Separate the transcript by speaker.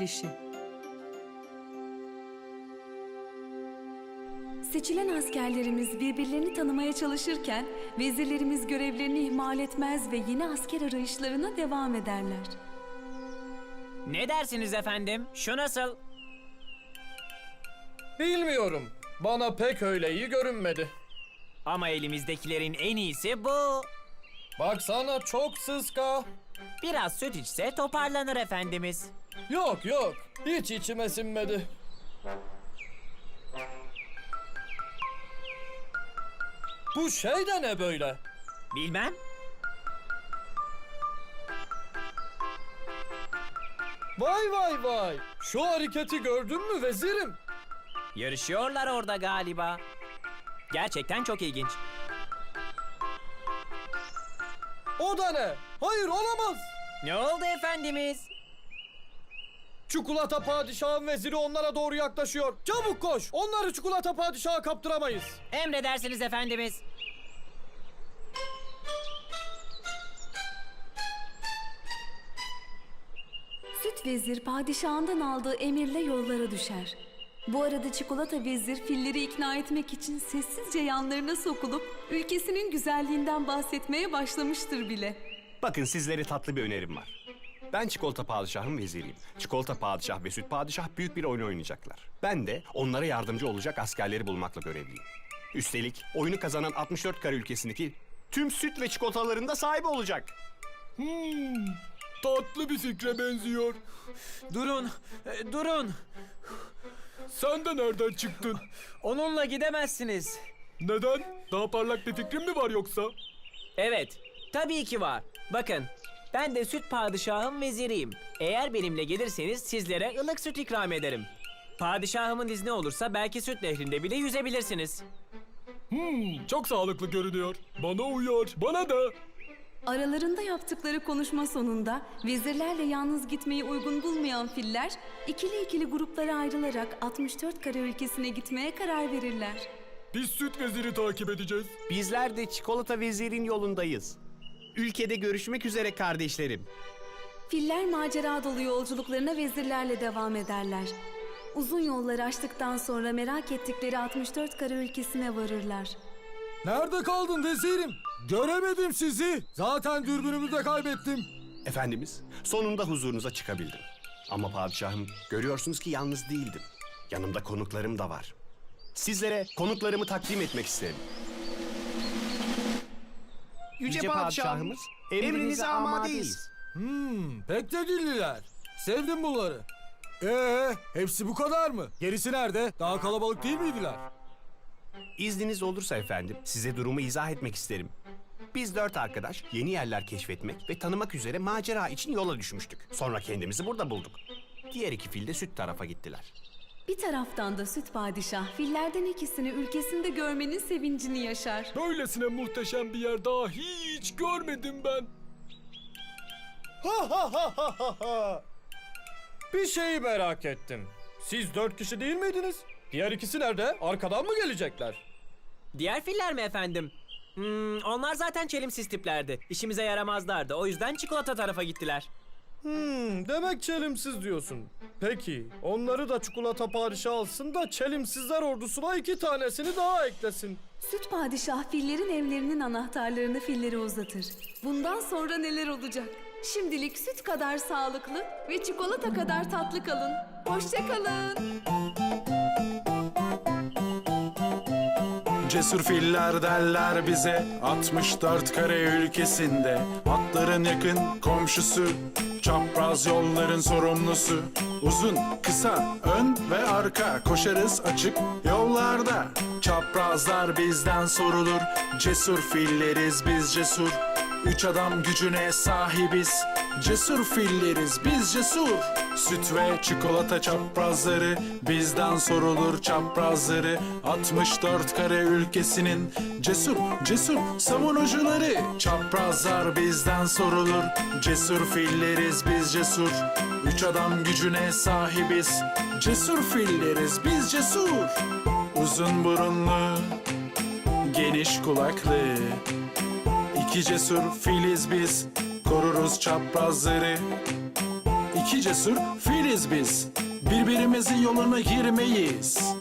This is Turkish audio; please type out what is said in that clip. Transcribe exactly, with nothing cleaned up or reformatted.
Speaker 1: çekilişi. Seçilen askerlerimiz birbirlerini tanımaya çalışırken vezirlerimiz görevlerini ihmal etmez ve yeni asker arayışlarına devam ederler.
Speaker 2: Ne dersiniz efendim? Şu nasıl?
Speaker 3: Bilmiyorum. Bana pek öyle iyi görünmedi.
Speaker 2: Ama elimizdekilerin en iyisi bu.
Speaker 3: Baksana çok sıska.
Speaker 2: Biraz süt içse toparlanır efendimiz.
Speaker 3: Yok yok. Hiç içime sinmedi. Bu şey de ne böyle?
Speaker 2: Bilmem.
Speaker 3: Vay vay vay. Şu hareketi gördün mü vezirim?
Speaker 2: Yarışıyorlar orada galiba. Gerçekten çok ilginç.
Speaker 3: O da ne? Hayır olamaz.
Speaker 2: Ne oldu efendimiz?
Speaker 3: Çikolata padişahın veziri onlara doğru yaklaşıyor. Çabuk koş. Onları çikolata padişaha kaptıramayız.
Speaker 2: Emredersiniz efendimiz.
Speaker 1: Süt vezir padişahından aldığı emirle yollara düşer. Bu arada çikolata vezir filleri ikna etmek için sessizce yanlarına sokulup ülkesinin güzelliğinden bahsetmeye başlamıştır bile.
Speaker 4: Bakın sizlere tatlı bir önerim var. Ben çikolata padişahın veziriyim. Çikolata padişah ve süt padişah büyük bir oyun oynayacaklar. Ben de onlara yardımcı olacak askerleri bulmakla görevliyim. Üstelik oyunu kazanan altmış dört kare ülkesindeki tüm süt ve çikolataların da sahibi olacak.
Speaker 3: Hmm, tatlı bir fikre benziyor.
Speaker 2: Durun, e, durun.
Speaker 3: Sen de nereden çıktın?
Speaker 2: Onunla gidemezsiniz.
Speaker 3: Neden? Daha parlak bir fikrin mi var yoksa?
Speaker 2: Evet, tabii ki var. Bakın, ben de süt padişahın veziriyim. Eğer benimle gelirseniz sizlere ılık süt ikram ederim. Padişahımın izni olursa belki süt nehrinde bile yüzebilirsiniz.
Speaker 3: Hmm, çok sağlıklı görünüyor. Bana uyar. Bana da.
Speaker 1: Aralarında yaptıkları konuşma sonunda vezirlerle yalnız gitmeyi uygun bulmayan filler ikili ikili gruplara ayrılarak altmış dört kare ülkesine gitmeye karar verirler.
Speaker 3: Biz süt veziri takip edeceğiz.
Speaker 4: Bizler de çikolata vezirin yolundayız. Ülkede görüşmek üzere kardeşlerim.
Speaker 1: Filler macera dolu yolculuklarına vezirlerle devam ederler. Uzun yolları aştıktan sonra merak ettikleri altmış dört kare ülkesine varırlar.
Speaker 5: Nerede kaldın vezirim? Göremedim sizi. Zaten dürbünümü de kaybettim.
Speaker 4: Efendimiz, sonunda huzurunuza çıkabildim. Ama padişahım, görüyorsunuz ki yalnız değildim. Yanımda konuklarım da var. Sizlere konuklarımı takdim etmek isterim. Yüce,
Speaker 6: Yüce
Speaker 4: padişahımız, emrinize amadeyiz.
Speaker 5: Hmm, pek de dilliler. Sevdim bunları. Ee, hepsi bu kadar mı? Gerisi nerede? Daha kalabalık değil miydiler?
Speaker 4: İzniniz olursa efendim, size durumu izah etmek isterim. Biz dört arkadaş yeni yerler keşfetmek ve tanımak üzere macera için yola düşmüştük. Sonra kendimizi burada bulduk. Diğer iki fil de süt tarafa gittiler.
Speaker 1: Bir taraftan da süt padişah fillerden ikisini ülkesinde görmenin sevincini yaşar.
Speaker 3: Böylesine muhteşem bir yer daha hiç görmedim ben. Ha ha ha ha ha ha. Bir şeyi merak ettim. Siz dört kişi değil miydiniz? Diğer ikisi nerede? Arkadan mı gelecekler?
Speaker 2: Diğer filler mi efendim? Hmm, onlar zaten çelimsiz tiplerdi. İşimize yaramazlardı. O yüzden çikolata tarafa gittiler.
Speaker 3: Hmm, demek çelimsiz diyorsun. Peki, onları da çikolata padişahı alsın da çelimsizler ordusuna iki tanesini daha eklesin.
Speaker 1: Süt padişah fillerin evlerinin anahtarlarını fillere uzatır. Bundan sonra neler olacak? Şimdilik süt kadar sağlıklı ve çikolata kadar tatlı kalın. Hoşça kalın.
Speaker 6: Cesur filler derler bize altmış dört kare ülkesinde. Atların yakın komşusu, çapraz yolların sorumlusu. Uzun, kısa, ön ve arka koşarız açık yollarda. Çaprazlar bizden sorulur, cesur filleriz biz cesur. Üç adam gücüne sahibiz, cesur filleriz biz cesur. Süt ve çikolata çaprazları bizden sorulur çaprazları. altmış dört kare ülkesinin cesur cesur savunucuları. Çaprazlar bizden sorulur, cesur filleriz biz cesur. Üç adam gücüne sahibiz, cesur filleriz biz cesur. Uzun burunlu, geniş kulaklı, İki cesur filiz biz, koruruz çaprazları. iki cesur filiz biz. Birbirimizin yoluna girmeyiz.